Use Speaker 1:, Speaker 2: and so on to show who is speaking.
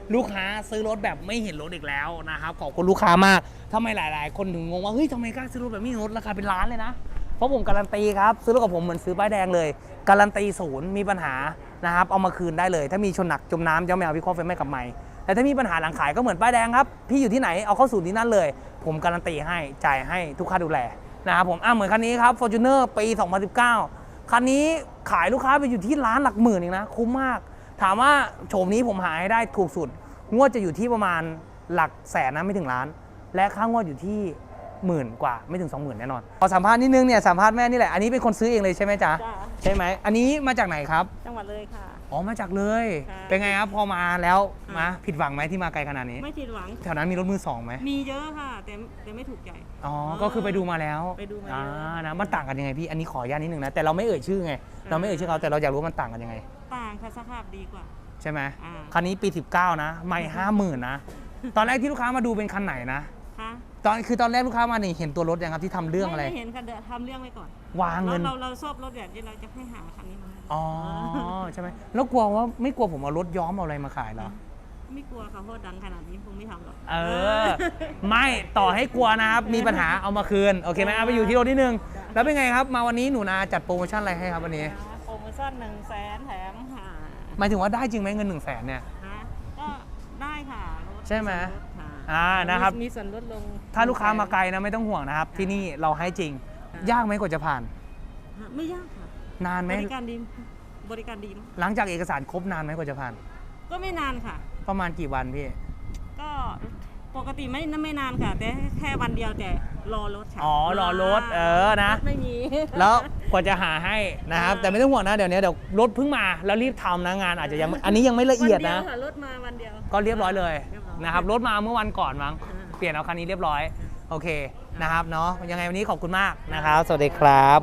Speaker 1: ลูกค้าซื้อรถแบบไม่เห็นรถอีกแล้วนะครับขอบคุณลูกค้ามากทำไมหลายๆคนถึงงงว่าเฮ้ยทำไมกล้าซื้อรถแบบไม่เห็นรถราคาเป็นล้านเลยนะเพราะผมการันตีครับซื้อรถกับผมเหมือนซื้อป้ายแดงเลยการันตีศูนย์มีปัญหานะครับเอามาคืนได้เลยถ้ามีชนหนักจมน้ำจะไม่เอาวิเคราะห์ไฟไหม้กับไม้แต่ถ้ามีปัญหาหลังขายก็เหมือนป้ายแดงครับพี่อยู่ที่ไหนเอาเข้าศูนย์ที่นั่นเลยผมการันตีให้จ่ายให้ทุกค่าดูแลนะครับผมเหมือนคันนี้ครับ Fortuner ปี 2019 คันนี้ขายลูกค้าไปอยู่ที่ล้านหลักหมื่นเองนะคุ้มมากถามว่าโฉมนี้ผมหาให้ได้ถูกสุดงวดจะอยู่ที่ประมาณหลักแสนนะไม่ถึงล้านและค่างวดอยู่ที่หมื่นกว่าไม่ถึง 20,000 แน่นอนพอสัมภาษณ์นิดนึงเนี่ยสัมภาษณ์แม่นี่แหละอันนี้เป็นคนซื้อเองเลยใช่ไหมจ๊ะใช่ไหมอันนี้มาจากไหนครับ
Speaker 2: จังหวัดเลยค่ะ
Speaker 1: อ๋อมาจากเลยเป็นไงครับพอมาแล้วมาผิดหวังไหมที่มาไกลขนาดนี้
Speaker 2: ไม่ผิดหวัง
Speaker 1: แถวนั้นมีรถมือสองไหม
Speaker 2: มีเยอะค่ะแต่ไม่ถูกใจ
Speaker 1: อ๋อก็คือไปดูมาแล้ว
Speaker 2: ไปดูมาแล้ว
Speaker 1: นะมันต่างกันยังไงพี่อันนี้ขออนุญาตนิดนึงนะแต่เราไม่เอ่ยชื่อไงเราไม่เอ่ยชื่อเขาแต่เราอยากรู้มันต่างกันยังไง
Speaker 2: ต่างค่ะสภาพดีกว่า
Speaker 1: ใช่ไหมคันนี้ปี 19นะไม่50,000นะตอนแรกที่ลูกค้ามาดูเป็นคันไหนนะตอนแรกลูกค้ามานี่เห็นตัวรถยังครับที่ทำเรื่องอะไร
Speaker 2: ไม่เห็นค่ะเดี๋ยวทำเรื่องไว้ก่อน
Speaker 1: วางเงิน
Speaker 2: เราชอบรถแบบนี้เราจะให้หาคันนี้มา
Speaker 1: อ๋อใช่ไหมแล้วกลัวว่าไม่กลัวผมเอารถย้อมเอาอะไรมาขายเหรอ
Speaker 2: ไม่กลัวค่ะเพราะดังขนาดนี้คงไม่ทำหรอก
Speaker 1: ไม่ต่อให้กลัวนะครับมีปัญหาเอามาคืนโอเคไหมเอาไปอยู่ที่รถนิดนึงแล้วเป็นไงครับมาวันนี้หนูนาจัดโปรโมชั่นอะไรให้ครับวันนี้
Speaker 2: โปรโมชั่น100,000แถม
Speaker 1: หมายถึงว่าได้จริงไหมเงิน100,000เนี่ย
Speaker 2: ก็ได้ค่ะ
Speaker 1: ใช่ไหมนะครับ
Speaker 2: มีส่วนลดลง
Speaker 1: ถ้าลูกค้ามาไกลนะไม่ต้องห่วงนะครับที่นี่เราให้จริงยากไหมกว่าจะผ่าน
Speaker 2: ไม่ยากค่ะ
Speaker 1: นานไหม
Speaker 2: บริการดี
Speaker 1: หลังจากเอกสารครบนานไหมกว่าจะผ่าน
Speaker 2: ก็ไม่นานค่ะ
Speaker 1: ประมาณกี่วันพี่
Speaker 2: ก็ปกติไม่นานค่ะแต่แค่วันเดียวแต่รอรถค่ะ
Speaker 1: รอรถนะ
Speaker 2: ไม่มี
Speaker 1: แล้วกว่าจะหาให้นะครับแต่ไม่ต้องห่วงนะเดี๋ยวรถเพิ่งมาแล้วรีบทำนะงานอาจจะยังอันนี้ยังไม่ละเอียดนะ
Speaker 2: รถมาวันเดียว
Speaker 1: ก็เรียบร้อยเลยนะครับรถมาเมื่อวันก่อนมั้งเปลี่ยนเอาคันนี้เรียบร้อยโอเคนะครับเนาะยังไงวันนี้ขอบคุณมากนะครับสวัสดีครับ